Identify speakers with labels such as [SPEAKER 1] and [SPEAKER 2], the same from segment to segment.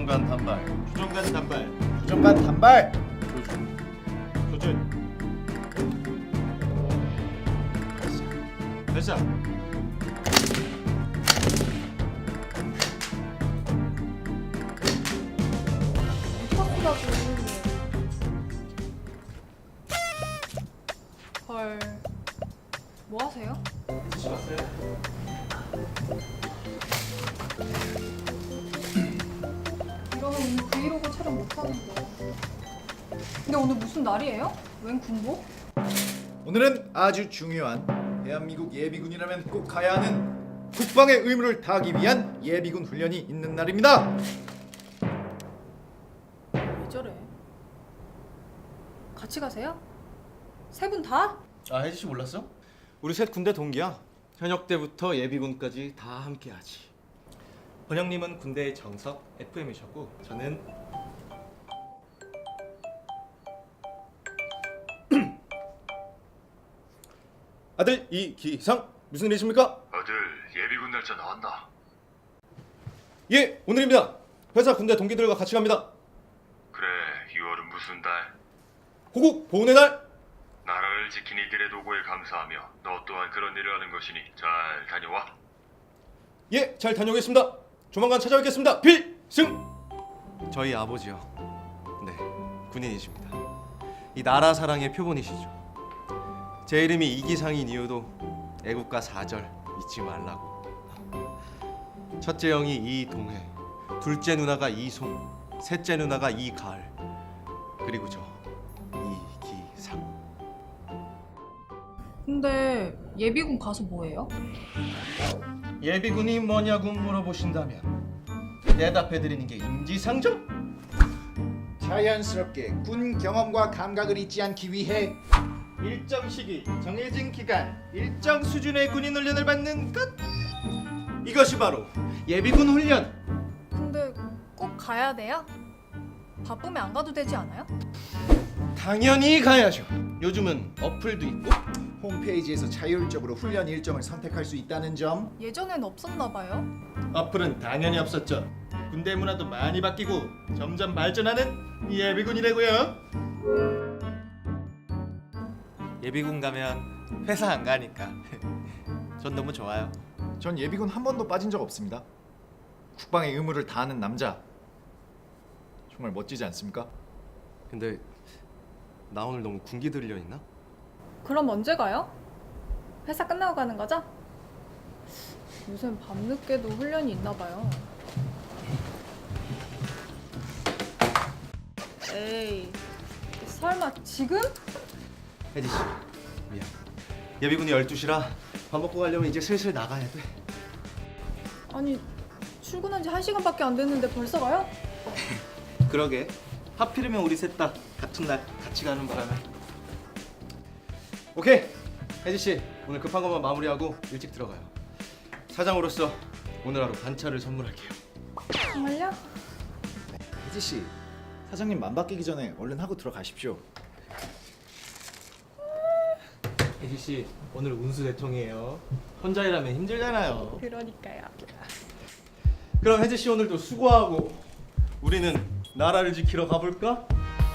[SPEAKER 1] 조정관 단발.
[SPEAKER 2] 조정관 단발.
[SPEAKER 3] 조정관 단발.
[SPEAKER 2] 조준. 발사.
[SPEAKER 4] 헐. 뭐 하세요? 이러면 오늘 브이로그 촬영 못 하는데. 근데 오늘 무슨 날이에요? 웬 군복?
[SPEAKER 3] 오늘은 아주 중요한 대한민국 예비군이라면 꼭 가야 하는 국방의 의무를 다하기 위한 예비군 훈련이 있는 날입니다.
[SPEAKER 4] 왜 저래? 같이 가세요? 세 분 다?
[SPEAKER 1] 아 혜지 씨 몰랐어?
[SPEAKER 2] 우리 셋 군대 동기야. 현역 때부터 예비군까지 다 함께하지. 번영님은 군대의 정석 FM이셨고 저는 아들 이기상 무슨 일이십니까?
[SPEAKER 5] 아들 예비군 날짜 나왔나?
[SPEAKER 2] 예 오늘입니다. 회사 군대 동기들과 같이 갑니다.
[SPEAKER 5] 그래 6월은 무슨 달?
[SPEAKER 2] 호국 보훈의 날.
[SPEAKER 5] 나라를 지킨 이들의 도구에 감사하며 너 또한 그런 일을 하는 것이니 잘 다녀와.
[SPEAKER 2] 예 잘 다녀오겠습니다. 조만간 찾아뵙겠습니다. 필승. 저희 아버지요. 네 군인이십니다. 이 나라 사랑의 표본이시죠. 제 이름이 이기상인 이유도 애국가 4절 잊지 말라고. 첫째 형이 이동해, 둘째 누나가 이송, 셋째 누나가 이가을, 그리고 저 이기상.
[SPEAKER 4] 근데 예비군 가서 뭐해요?
[SPEAKER 1] 예비군이 뭐냐고 물어보신다면 대답해드리는 게 인지상정?
[SPEAKER 3] 자연스럽게 군 경험과 감각을 잊지 않기 위해
[SPEAKER 1] 일정 시기, 정해진 기간, 일정 수준의 군인 훈련을 받는 것. 이것이 바로 예비군 훈련.
[SPEAKER 4] 근데 꼭 가야 돼요? 바쁘면 안 가도 되지 않아요?
[SPEAKER 1] 당연히 가야죠. 요즘은 어플도 있고.
[SPEAKER 3] 홈페이지에서 자율적으로 훈련 일정을 선택할 수 있다는 점.
[SPEAKER 4] 예전엔 없었나 봐요.
[SPEAKER 1] 어플은 당연히 없었죠. 군대 문화도 많이 바뀌고 점점 발전하는 예비군이라고요.
[SPEAKER 2] 예비군 가면 회사 안 가니까 전 너무 좋아요.
[SPEAKER 3] 전 예비군 한 번도 빠진 적 없습니다. 국방의 의무를 다하는 남자. 정말 멋지지 않습니까?
[SPEAKER 2] 근데 나 오늘 너무 군기 들려 있나?
[SPEAKER 4] 그럼 언제 가요? 회사 끝나고 가는 거죠? 요즘 밤늦게도 훈련이 있나 봐요. 에이, 설마 지금?
[SPEAKER 2] 혜지 씨 미안. 예비군이 12시라 밥 먹고 가려면 이제 슬슬 나가야 돼.
[SPEAKER 4] 아니, 출근한 지 1시간밖에 안 됐는데 벌써 가요?
[SPEAKER 2] 그러게. 하필이면 우리 셋 다 같은 날 같이 가는 바람에. 오케이. 혜지 씨 오늘 급한 것만 마무리하고 일찍 들어가요. 사장으로서 오늘 하루 반차를 선물할게요.
[SPEAKER 4] 정말요?
[SPEAKER 3] 혜지 씨, 사장님 맘 바뀌기 전에 얼른 하고 들어가십시오.
[SPEAKER 2] 혜지 씨 오늘 운수 대통이에요. 혼자 일하면 힘들잖아요.
[SPEAKER 4] 그러니까요.
[SPEAKER 2] 그럼 혜지 씨 오늘도 수고하고 우리는 나라를 지키러 가볼까?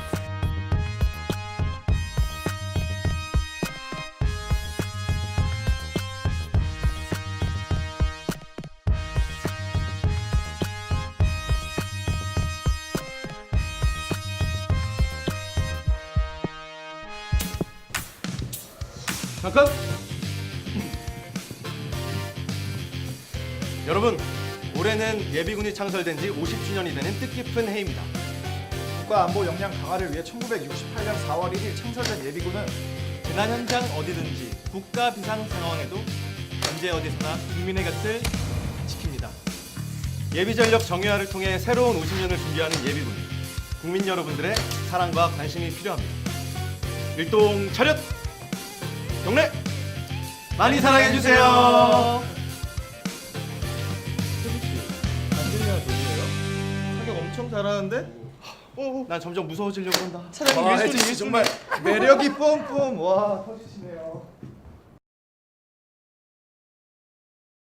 [SPEAKER 2] 잠깐! 여러분, 올해는 예비군이 창설된 지 50주년이 되는 뜻깊은 해입니다.
[SPEAKER 3] 국가안보 역량 강화를 위해 1968년 4월 1일 창설된 예비군은
[SPEAKER 2] 재난 현장 어디든지 국가 비상 상황에도 언제 어디서나 국민의 곁을 지킵니다. 예비 전력 정예화를 통해 새로운 50년을 준비하는 예비군. 국민 여러분들의 사랑과 관심이 필요합니다. 일동 차렷! 경례! 많이 사랑해 주세요. 안 들려요, 노래요? 사격 엄청 잘하는데? 난 점점 무서워지려고 한다.
[SPEAKER 3] 혜지 씨 정말 매력이 뿜뿜. 와 터지시네요.